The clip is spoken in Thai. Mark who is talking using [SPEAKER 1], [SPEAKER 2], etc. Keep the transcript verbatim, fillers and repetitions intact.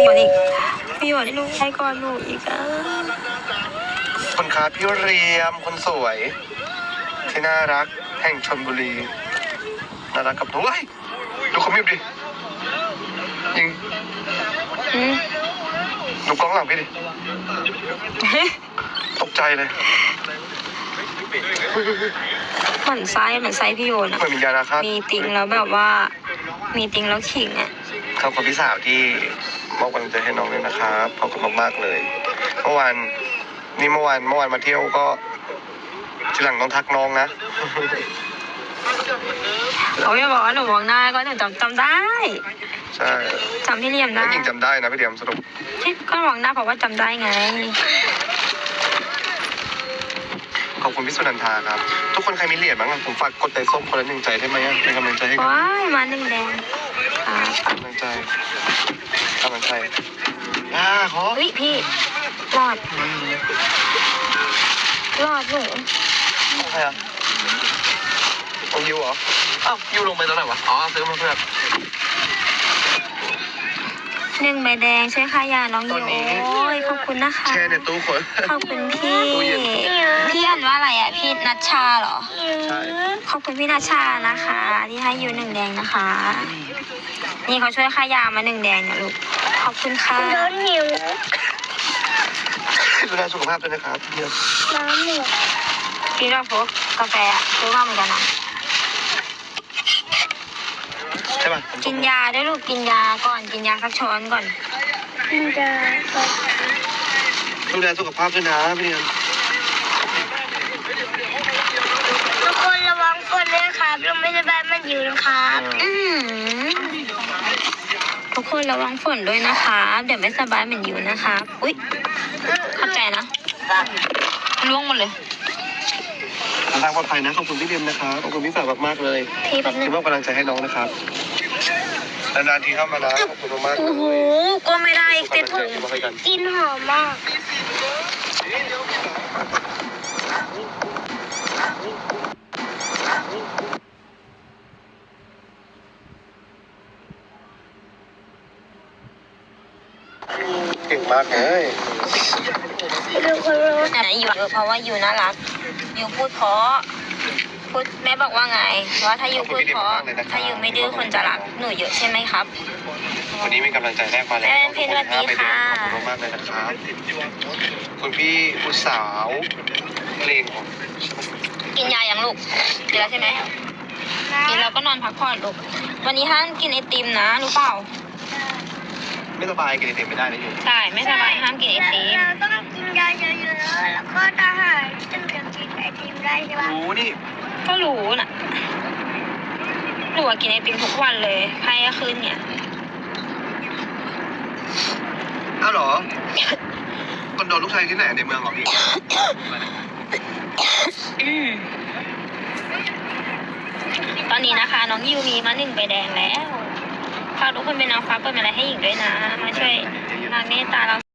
[SPEAKER 1] ก่อนอีกพี่หยดลูกให้ก่อนหนูอีกอ่ะ
[SPEAKER 2] คนค้าพี่เรียมคนสวยที่น่ารักแห่งชลบุรีน่ารักกับหนูเฮ้ยดูคอมมิวดิยิงดูกล้องหลังพี่ดิตกใจเลย
[SPEAKER 1] เหมือนไซส์เหมือนไซส์พี่โยนอะ
[SPEAKER 2] มียานาคา
[SPEAKER 1] มีติงแล้วแบบว่ามีติงแล้วขิงอะ
[SPEAKER 2] ขอบคุณพี่สาวที่มอบกำลังใจให้น้องเลยนะครับขอบคุณมากๆเลยเมื่อวานนี่เมื่อวานเมื่อวานมาเที่ยวก็ทีหลังต้องทักน้องนะ
[SPEAKER 1] เขาจะบอกว่าหนูมองหน้าก็หนูจำจำได้
[SPEAKER 2] ใช่
[SPEAKER 1] จำพี่เลียมได้
[SPEAKER 2] หญิงจำได้นะพี่เลียมสรุป
[SPEAKER 1] ที่ก็มองหน้าเพราะว่าจำได้ไง
[SPEAKER 2] ขอบคุณพี่สุนันทาครับทุกคนใครมีเหรียญบ้างผมฝากกดใจส้มคนละหนึ่งใจได้ไหมเป็นกำลังใจให้กัน
[SPEAKER 1] ว้ายมาหนึ่งแดง
[SPEAKER 2] กำลังใจกำลังใจอ่าขอ
[SPEAKER 1] เฮ้ยพี่รอดรอดหนู
[SPEAKER 2] ใครอ่ะของยูเหรออ้าวยูลงไปตอนไหนวะอ๋อซื้อมาเพื่อ
[SPEAKER 1] หนึ่งใบแดงช่วยค่ายาน้องยูโอ้ยขอบคุณนะคะ
[SPEAKER 2] แช่ในตู้คน
[SPEAKER 1] ขอบคุณพี่พี่อ่านว่าอะไรอ่ะพี่นัชชาเหรอ
[SPEAKER 2] ใช่
[SPEAKER 1] ขอบคุณพี่นัชชานะคะที่ให้ยูหนึ่งแดงนะคะนี่เขาช่วยค่ายามาหนึ่งแดงนะลูกขอบคุณค่ะ
[SPEAKER 3] ร้อนหิว
[SPEAKER 2] ดูแลสุขภาพด้วยนะครับเดี๋ยว
[SPEAKER 3] น้ำหมด
[SPEAKER 1] พี่เราพกกาแฟซื้อมาเหมือนกันนะ
[SPEAKER 2] ใช่ป่ะ
[SPEAKER 1] กินยาด้วยลูกกินยาก่อนกินยาสักช้อนก่อน
[SPEAKER 3] กินยา
[SPEAKER 2] ดูแลสุขภาพด้วยนะพี่เนียน
[SPEAKER 3] ทุกคนระวังฝนด้วยครับลมไม่สบายมันอยู่นะครับ
[SPEAKER 1] ทุกคนระวังฝนด้วยนะคะเดี๋ยวไม่สบายเหมือนอยู่นะคะอุ๊ยเข้าใจนะล่วงหมดเลย
[SPEAKER 2] ทางปลอดภัยนะขอบคุณพี่เดียมนะครับขอบคุณพี่สาวมากๆเลย
[SPEAKER 1] ที่แบบ
[SPEAKER 2] ที่มอบกำลังใจให้น้องนะครับนานๆทีเข้ามานะขอบคุณมากๆ
[SPEAKER 1] โอ้โหก็ไม่ได้อีกติดถุง
[SPEAKER 3] กินหอมมาก
[SPEAKER 2] เก่งมากเลย
[SPEAKER 1] ไหนอยู่เพราะว่าอยู่น่ารักอยู่พูดเพราะพูดแม่บอกว่าไงว่าถ้าอยู่พูดเพราะถ้าอยู่ไม่ดื้อคนจะรักหนูเยอะใช่ไหมครับ
[SPEAKER 2] วันนี้มีกำลังใจแรกมาแล้ว
[SPEAKER 1] เพนวัสดีค่ะ
[SPEAKER 2] ขอบคุณมากเลยนะครับคุณพี่ผู้สาวเพลง
[SPEAKER 1] กินยายังลูกกินแล้วใช่ไหมกินแล้วก็นอนพักผ่อนลูกวันนี้ห้ามกินไอติมนะรู้เปล่า
[SPEAKER 2] ไม่สบายกินไอติมไม่ได้นะอยู่
[SPEAKER 1] ใช่ไม่สบายห้ามกินไอติม
[SPEAKER 3] เราต้องกินยาเยอะๆแล้วก็ทหารจึงจะกินไอติมได้ใช่ปะ
[SPEAKER 2] รู้นี่
[SPEAKER 1] ก็รู้น่ะหนูกินไอติมทุกวันเลยไข้ก็ขึ้นเนี่ย
[SPEAKER 2] อ้าวเหรอคอนโดลูกชายที่ไหนในเมืองของพี่
[SPEAKER 1] ตอนนี้นะคะน้องยูมีมาหนึ่งใบแดงแล้วฝากทุกคนเป็นนางฟ้าเปิดอะไรให้หญิงด้วยนะมาช่วยนางเมตตาเรา